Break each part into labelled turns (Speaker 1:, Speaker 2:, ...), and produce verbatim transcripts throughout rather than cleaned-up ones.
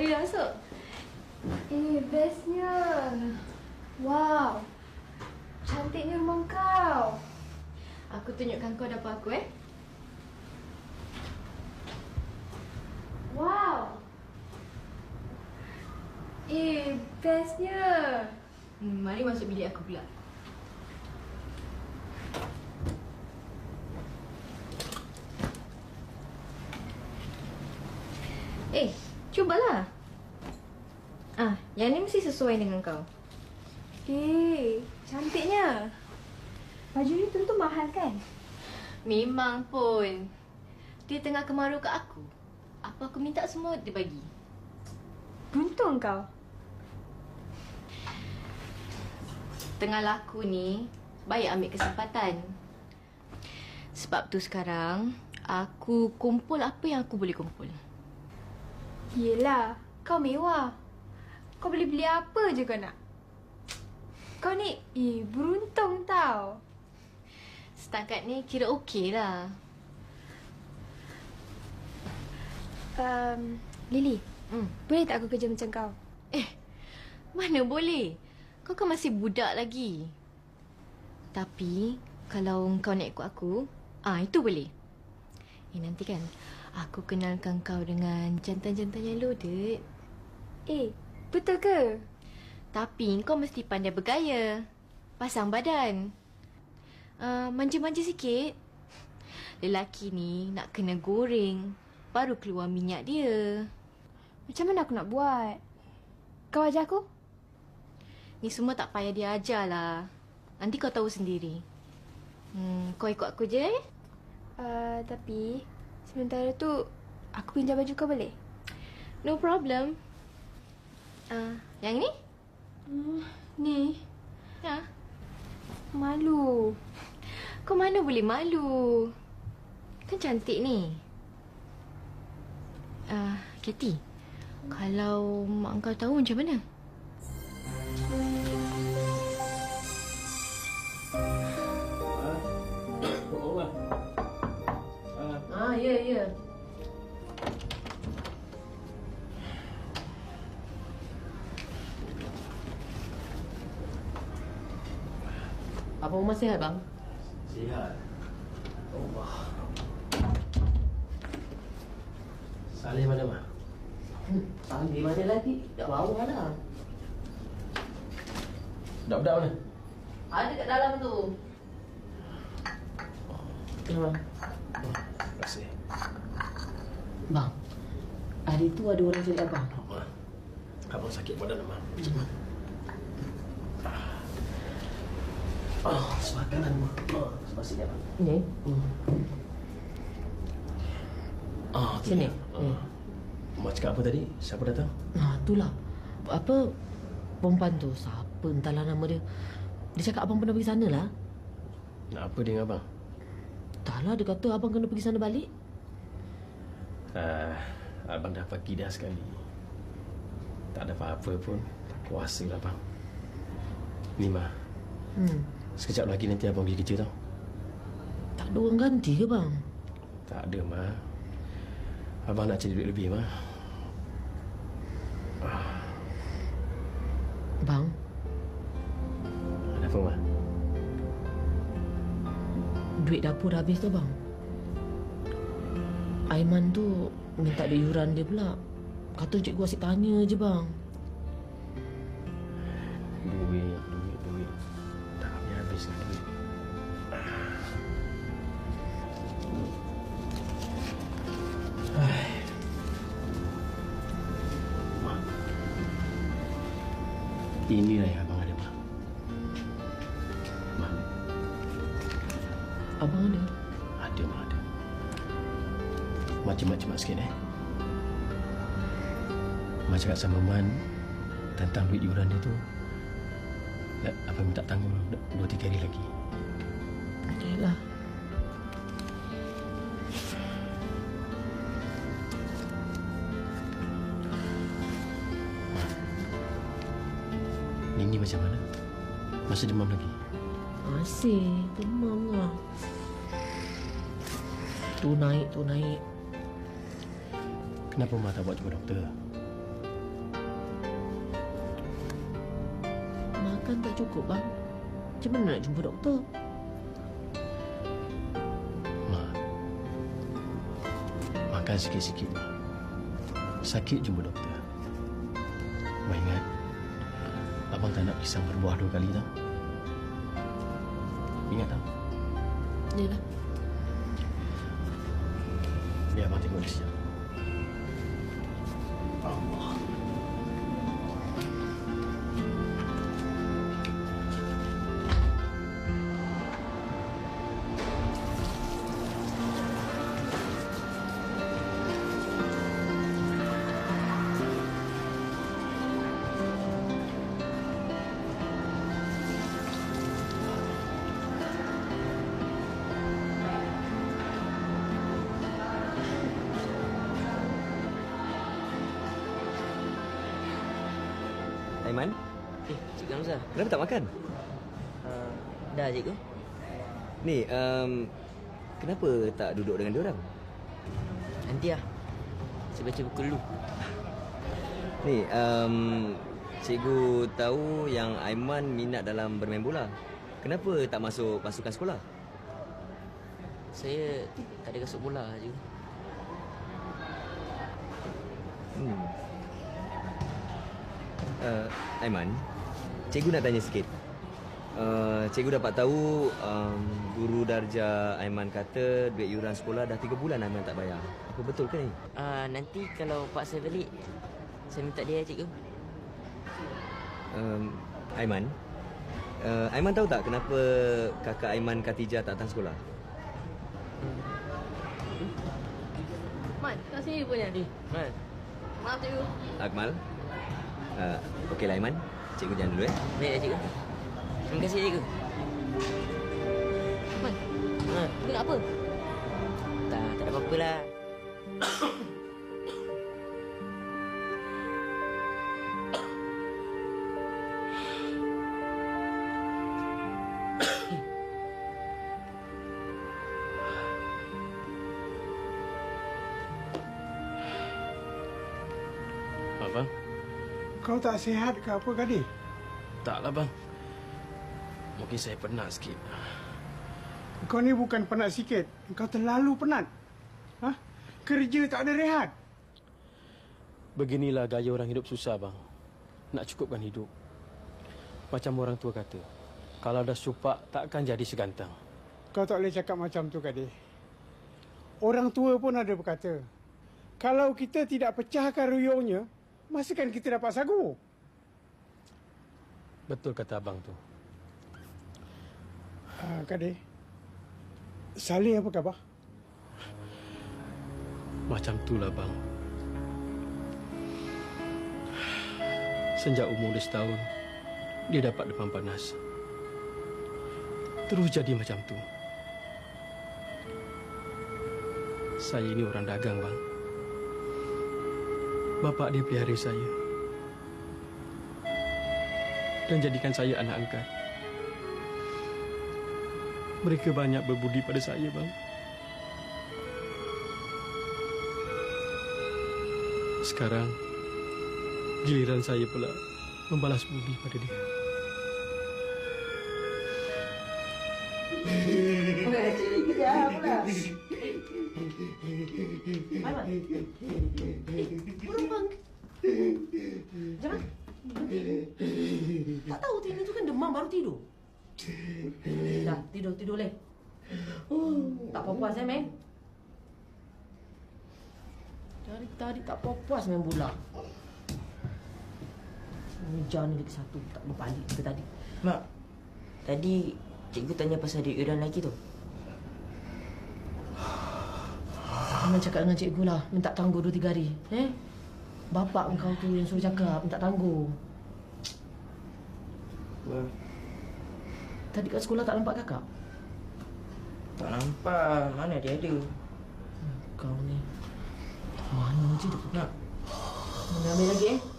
Speaker 1: Boleh masuk?
Speaker 2: Eh, bestnya. Wow. Cantiknya rumah kau.
Speaker 1: Aku tunjukkan kau dapur aku eh.
Speaker 2: Wow. Eh, bestnya.
Speaker 1: Hmm, mari masuk bilik aku pula. Eh, cubalah. Ah, yang ni mesti sesuai dengan kau.
Speaker 2: Eh, cantiknya. Baju ni tentu mahal kan?
Speaker 1: Memang pun. Dia tengah kemaru kat aku. Apa aku minta semua dia bagi.
Speaker 2: Beruntung kau.
Speaker 1: Tengah laku ni, baik ambil kesempatan. Sebab tu sekarang, aku kumpul apa yang aku boleh kumpul.
Speaker 2: Yelah, kau mewah. Kau boleh beli apa je kau nak. Kau ni, eh, beruntung tau.
Speaker 1: Setakat ni kira okey lah.
Speaker 2: Um, Lily,
Speaker 1: Hmm.
Speaker 2: boleh tak aku kerja macam kau?
Speaker 1: Eh, mana boleh? Kau kan masih budak lagi. Tapi, kalau kau nak ikut aku, ah itu boleh. Eh, nanti kan, aku kenalkan kau dengan jantan-jantan yang loaded.
Speaker 2: Eh, betul ke?
Speaker 1: Tapi kau mesti pandai bergaya. Pasang badan. Uh, manja-manja sikit. Lelaki ni nak kena goreng. Baru keluar minyak dia.
Speaker 2: Macam mana aku nak buat? Kau ajar aku?
Speaker 1: Ni semua tak payah dia ajar lah. Nanti kau tahu sendiri. Hmm, kau ikut aku je eh?
Speaker 2: Uh, tapi, sementara tu, aku pinjam baju kau boleh?
Speaker 1: No problem. Uh, yang ni?
Speaker 2: Hmm, ni,
Speaker 1: Ha?
Speaker 2: malu.
Speaker 1: Kau mana boleh malu? Kan cantik ni. Ah, uh, Katie. Kalau mak kau tahu macam mana? Ah, ya, ya. Apa Umar sihat, bang?
Speaker 3: Sihat. Allah. Saleh mana, Mak?
Speaker 4: Hmm, Saleh mana lagi? Kat bawah lah.
Speaker 3: Budak-budak mana?
Speaker 4: Ada kat dalam tu.
Speaker 3: Terima. Oh, terima kasih.
Speaker 4: Bang, hari tu ada orang cari abang.
Speaker 3: Mak, abang sakit badan, Mak. Oh, sebelah kanan, Mak. Oh, sebelah sini, Abang.
Speaker 4: Ni?
Speaker 3: Hmm. Oh, tu
Speaker 4: Sini.
Speaker 3: dia. Oh. Mak cakap apa tadi? Siapa datang?
Speaker 4: Ha, itulah. Apa perempuan tu? Siapa entahlah nama dia. Dia cakap abang pernah pergi sana lah.
Speaker 3: Nak apa dia dengan abang?
Speaker 4: Entahlah, dia kata abang kena pergi sana balik.
Speaker 3: Ah, abang dah pergi dah sekali. Tak ada apa-apa pun. Tak kuasa lah, abang. Ni, Mak.
Speaker 4: Hmm.
Speaker 3: Sekejap lagi nanti abang pergi kerja tau.
Speaker 4: Tak ada orang ganti ke bang?
Speaker 3: Tak ada, Mak. Abang nak cari duit lebih, Mak. Ah.
Speaker 4: Bang,
Speaker 3: Ada apa, Mak?
Speaker 4: duit dapur dah habis tu bang. Aiman tu minta duit yuran dia pula. Kata cikgu asyik tanya je bang.
Speaker 3: Duit, duit, duit. Tak habis-habis dengan duit. Ai. Mak. Inilah yang abang ada, Mak. Mak.
Speaker 4: Abang ada?
Speaker 3: Ada, Mak, ada. Mak cemat-cemat sikit, eh. Mak cakap sama Man tentang duit yuran dia tu. Abang minta tanggung dua tiga hari lagi.
Speaker 4: Yalah.
Speaker 3: Nini macam mana? Masih demam lagi?
Speaker 4: Masih demam lah. Tu naik, tu naik.
Speaker 3: Kenapa Mak tak buat jumpa doktor?
Speaker 4: Kan tak cukup, bang. Macam mana nak jumpa doktor?
Speaker 3: Mak, makan sikit-sikit. Sakit jumpa doktor. Mak ingat, abang tak nak pisang berbuah dua kali tau. Ingat tau?
Speaker 4: Yalah.
Speaker 3: Biar abang tengok dia sekejap. Allah.
Speaker 5: Aiman,
Speaker 6: Eh, Cikgu Hamzah.
Speaker 5: kenapa tak makan?
Speaker 6: Uh, dah, Cikgu.
Speaker 5: Ni, um, kenapa tak duduk dengan diorang?
Speaker 6: Nanti lah. Saya baca buku dulu.
Speaker 5: Ni, um, cikgu tahu yang Aiman minat dalam bermain bola. Kenapa tak masuk pasukan sekolah?
Speaker 6: Saya tak ada kasut bola, Cikgu.
Speaker 5: Hmm. Uh, Aiman, cikgu nak tanya sikit. Uh, cikgu dapat tahu um, guru darjah Aiman kata duit yuran sekolah dah tiga bulan Aiman tak bayar. Apa betul ke ni?
Speaker 6: Uh, nanti kalau pak saya balik, saya minta dia, Cikgu.
Speaker 5: Um, Aiman, uh, Aiman tahu tak kenapa kakak Aiman Khatijah tak datang sekolah?
Speaker 1: Mat, kat sini punya.
Speaker 6: Eh, Mal.
Speaker 1: Maaf, cikgu.
Speaker 5: Akmal? Uh, Okeylah Aiman, cikgu jalan dulu eh.
Speaker 6: Baik, Cikgu. Terima kasih, Cikgu.
Speaker 1: Mat,
Speaker 6: Ha,
Speaker 1: cikgu nak apa?
Speaker 6: tak, tak ada apa-apa lah.
Speaker 3: Abang?
Speaker 7: Kau tak sihat ke apa, Gadis?
Speaker 3: Taklah bang. Mungkin saya penat sikit.
Speaker 7: Kau ni bukan penat sikit. Kau terlalu penat. Ha? Kerja tak ada rehat.
Speaker 3: Beginilah gaya orang hidup susah bang. Nak cukupkan hidup. Macam orang tua kata, kalau dah supak takkan jadi segantang.
Speaker 7: Kau tak boleh cakap macam tu, Gadis. Orang tua pun ada berkata, kalau kita tidak pecahkan ruyungnya, masakan kita dapat sagu?
Speaker 3: Betul kata abang tu.
Speaker 7: Uh, Gadis, Saleh apa khabar?
Speaker 3: Macam itulah bang. Sejak umur dia setahun, dia dapat demam panas. Terus jadi macam tu. Saya ini orang dagang bang. Bapa dia pelihara saya dan jadikan saya anak angkat. Mereka banyak berbudi pada saya, bang. Sekarang giliran saya pula membalas budi pada dia.
Speaker 4: Kejap pula. Aiman. Burung bang. Jangan. Tak tahu Tini tu kan demam baru tidur. Dah, tidur, tidur leh. Oh, tak puas eh, main. Dari tadi tak puas main bola. Hujan ni lagi satu, tak berbalik ke tadi.
Speaker 6: Mak, tadi cikgu tanya pasal duit yuran lagi tu.
Speaker 4: Jangan cakap dengan cikgu lah, minta tangguh dua tiga hari. Eh? Bapak engkau tu yang suruh cakap, minta tangguh.
Speaker 6: Mak,
Speaker 4: Tadi kat sekolah tak nampak kakak?
Speaker 6: tak nampak. Mana dia ada?
Speaker 4: Hmm, kau ni. Mana je dia pergi? Mana ambil lagi eh?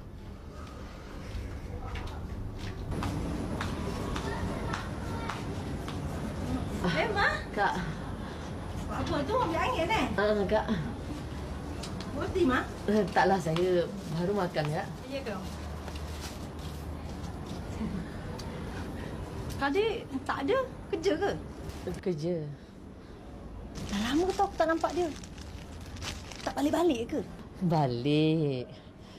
Speaker 2: Eh, Ma?
Speaker 4: Kak.
Speaker 2: Apa tu? Ambil angin eh?
Speaker 4: Ah, Kak.
Speaker 2: Roti, Ma?
Speaker 4: Eh, taklah, saya baru makan, Kak.
Speaker 2: Ya ke? Kadi tak ada kerja ke?
Speaker 4: Kerja.
Speaker 2: Dah lama tau aku tak nampak dia. Tak balik-balik ke?
Speaker 4: Balik.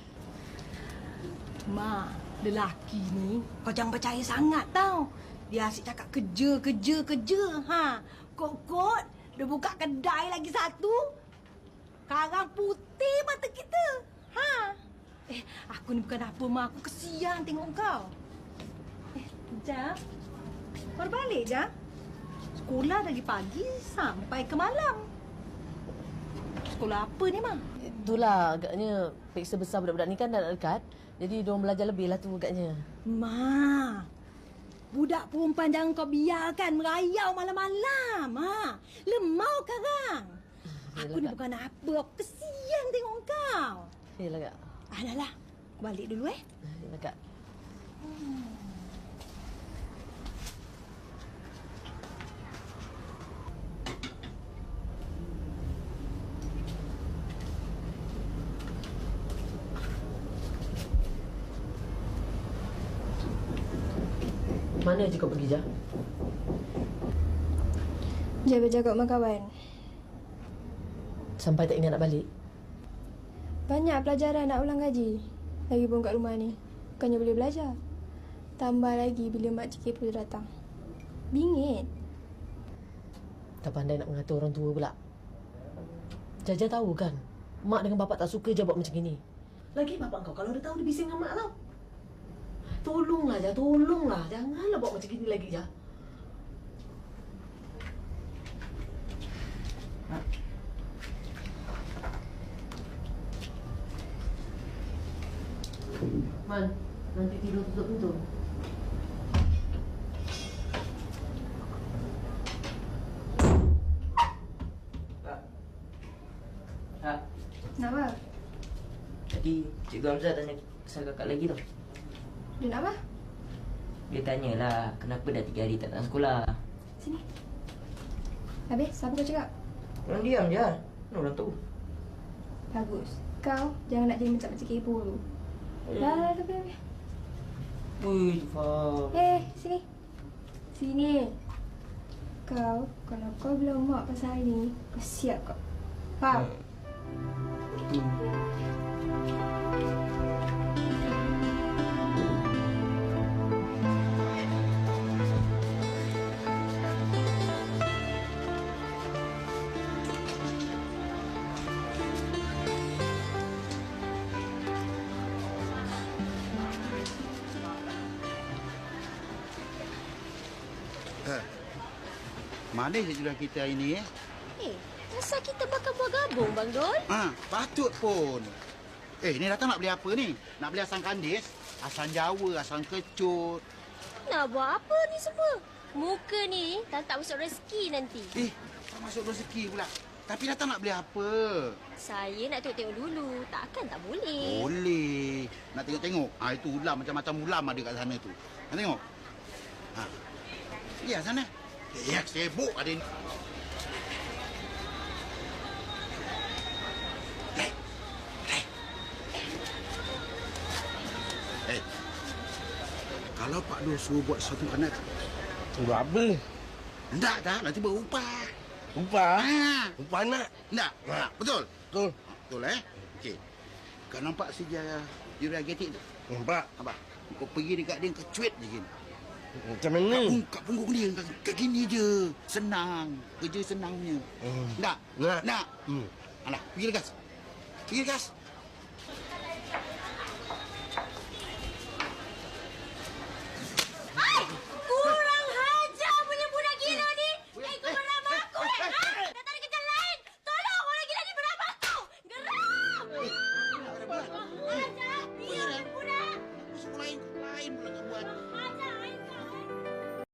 Speaker 2: Ma, lelaki ni kau jangan percaya sangat tau. Dia asyik cakap kerja, kerja, kerja. Ha, kot-kot dia buka kedai lagi satu. Karang putih mata kita. Ha. Eh, aku ni bukan apa, Ma. Aku kesian tengok kau. Eh, Jam. Baru balik, Jam. Sekolah dari pagi sampai ke malam. Sekolah apa ni, Ma?
Speaker 4: Itulah agaknya peksa besar budak-budak ni kan dah nak dekat. Jadi diorang belajar lebih lah tu agaknya.
Speaker 2: Ma, budak perempuan jangan kau biarkan merayau malam-malam. Ha. Lemau karang. Aku ni bukan apa. Aku kesian tengok kau.
Speaker 4: Yelah Kak.
Speaker 2: Ah, dah lah. Balik dulu eh.
Speaker 4: Yelah Kak. Mana je kau pergi, Jah?
Speaker 8: Jaga-jaga rumah kawan.
Speaker 4: Sampai tak ingat nak balik?
Speaker 8: Banyak pelajaran nak ulang gaji. Lagipun kat rumah ni, bukannya boleh belajar. Tambah lagi bila makcik kepo datang. Bingit.
Speaker 4: Tak pandai nak mengatur orang tua pula. Jaja tahu kan, mak dengan bapak tak suka je buat macam ni. Lagi bapak kau kalau dia tahu dia bising dengan mak tau. Tolonglah Jah, tolonglah. Janganlah buat macam gini lagi, Jah. Man, nanti tidur tutup pintu.
Speaker 6: Kak. Kak.
Speaker 8: Kenapa?
Speaker 6: Tadi Cikgu Hamzah tanya pasal kakak lagi tau.
Speaker 8: Dia nak apa?
Speaker 6: Dia tanyalah kenapa dah tiga hari tak datang sekolah.
Speaker 8: Sini. Habis, apa kau cakap?
Speaker 6: Orang diam je. Mana orang tahu?
Speaker 8: Bagus. Kau jangan nak jadi macam makcik kepo tu. Dah, dah, dah, dah.
Speaker 6: Ui, faham.
Speaker 8: Eh, sini. Sini. Kau, kalau kau bilang mak pasal hari ni, kau siap kau. Faham?
Speaker 6: Hmm.
Speaker 9: Mana je jualan kita hari ni eh?
Speaker 1: Eh, asal kita bakal buat gabung, Bang Dol?
Speaker 9: Ha, patut pun. Eh, ni datang nak beli apa ni? Nak beli asam kandis, asam Jawa, asam kecut.
Speaker 1: Nak buat apa ni semua? Muka ni tak tak masuk rezeki nanti.
Speaker 9: Eh, tak masuk rezeki pula. Tapi datang nak beli apa?
Speaker 1: Saya nak tengok-tengok dulu. Takkan tak boleh.
Speaker 9: Boleh. Nak tengok-tengok. Ah, itu ulam, macam-macam ulam ada kat sana tu. Nak tengok? Ha. Ya, sana. Ya, sibuk ada ni. Eh. Eh. Eh. Kalau Pak Dul suruh buat satu anak,
Speaker 10: buat apa?
Speaker 9: enggak dah, nanti berupah.
Speaker 10: Upah?
Speaker 9: Ha.
Speaker 10: Upah anak?
Speaker 9: Enggak. Ha. Betul?
Speaker 10: Betul.
Speaker 9: Betul eh? Okey. Kau nampak sejarah Yuria Getik tu?
Speaker 10: Nampak.
Speaker 9: Apa? Kau pergi dekat dia, kau cuit je gini.
Speaker 10: Macam mana?
Speaker 9: Kat, pung, kat punggung dia, kat, kat gini je. Senang. Kerja senangnya.
Speaker 10: Hmm.
Speaker 9: Nak?
Speaker 10: Nak.
Speaker 9: Nak?
Speaker 10: Hmm.
Speaker 9: Alah, pergi legas. Pergi legas.